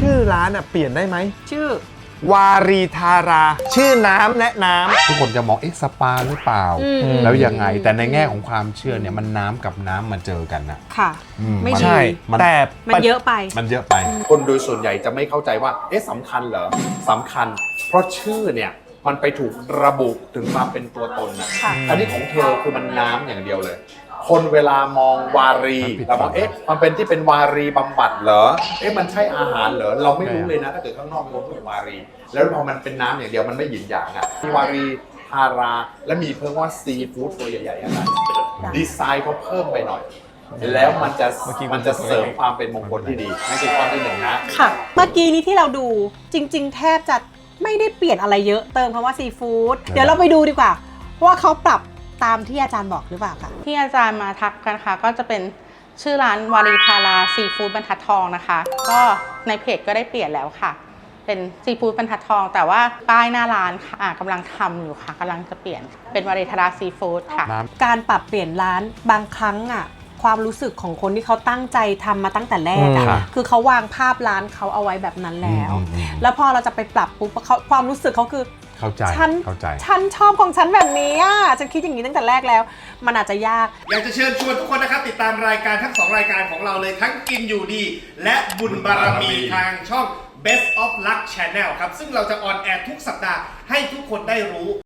ชื่อร้านเปลี่ยนได้ไหมชื่อวารีธาราชื่อน้ำและน้ำทุกคนจะมองสปาหรือเปล่าแล้วยังไงแต่ในแง่ของความเชื่อเนี่ยมันน้ำกับน้ำมาเจอกันนะค่ะไม่ดีใช่แต่มันเยอะไปมันเยอะไปคนโดยส่วนใหญ่จะไม่เข้าใจว่าสำคัญเหรอสำคัญเพราะชื่อเนี่ยมันไปถูกระบุถึงความเป็นตัวตนนะอันนี้ของเธอคือมันน้ำอย่างเดียวเลยคนเวลามองวารีเราบอกมันเป็นที่เป็นวารีบำบัดเหรอมันใช่อาหารเหรอเราไม่รู้เลยนะถ้าเกิดข้างนอกมันพูดวารีแล้วพอมันเป็นน้ำอย่างเดียวมันไม่หยินหยางมีวารีทาราและมีเพิ่มว่าซีฟู้ดตัวใหญ่ๆอะไรดีไซน์เขาเพิ่มไปหน่อยแล้วมันจะเสริมความเป็นมงคลที่ดีนั่นคือข้อที่หนึ่งนะค่ะเมื่อกี้นี้ที่เราดูจริงๆแทบจะไม่ได้เปลี่ยนอะไรเยอะเติมคำว่าซีฟู้ดเดี๋ยวเราไปดูดีกว่าว่าเขาปรับตามที่อาจารย์บอกหรือเปล่าคะที่อาจารย์มาทักกันค่ะก็จะเป็นชื่อร้านวารีพาราซีฟู้ดบรรทัดทองนะคะก็ในเพจก็ได้เปลี่ยนแล้วค่ะเป็นซีฟู้ดบรรทัดทองแต่ว่าป้ายหน้าร้านค่ะกำลังทำอยู่ค่ะกำลังจะเปลี่ยนเป็นวารีธาราซีฟู้ดค่ะการปรับเปลี่ยนร้านบางครั้งความรู้สึกของคนที่เขาตั้งใจทำมาตั้งแต่แรกคือเขาวางภาพร้านเขาเอาไว้แบบนั้นแล้วพอเราจะไปปรับปุ๊บความรู้สึกเขาคือเข้าใจฉันชอบของฉันแบบนี้ฉันคิดอย่างนี้ตั้งแต่แรกแล้วมันอาจจะยากอยากจะเชิญชวนทุกคนนะครับติดตามรายการทั้ง2รายการของเราเลยทั้งกินอยู่ดีและบุญบารมีทางช่อง Best of Luck Channel ครับซึ่งเราจะออนแอร์ทุกสัปดาห์ให้ทุกคนได้รู้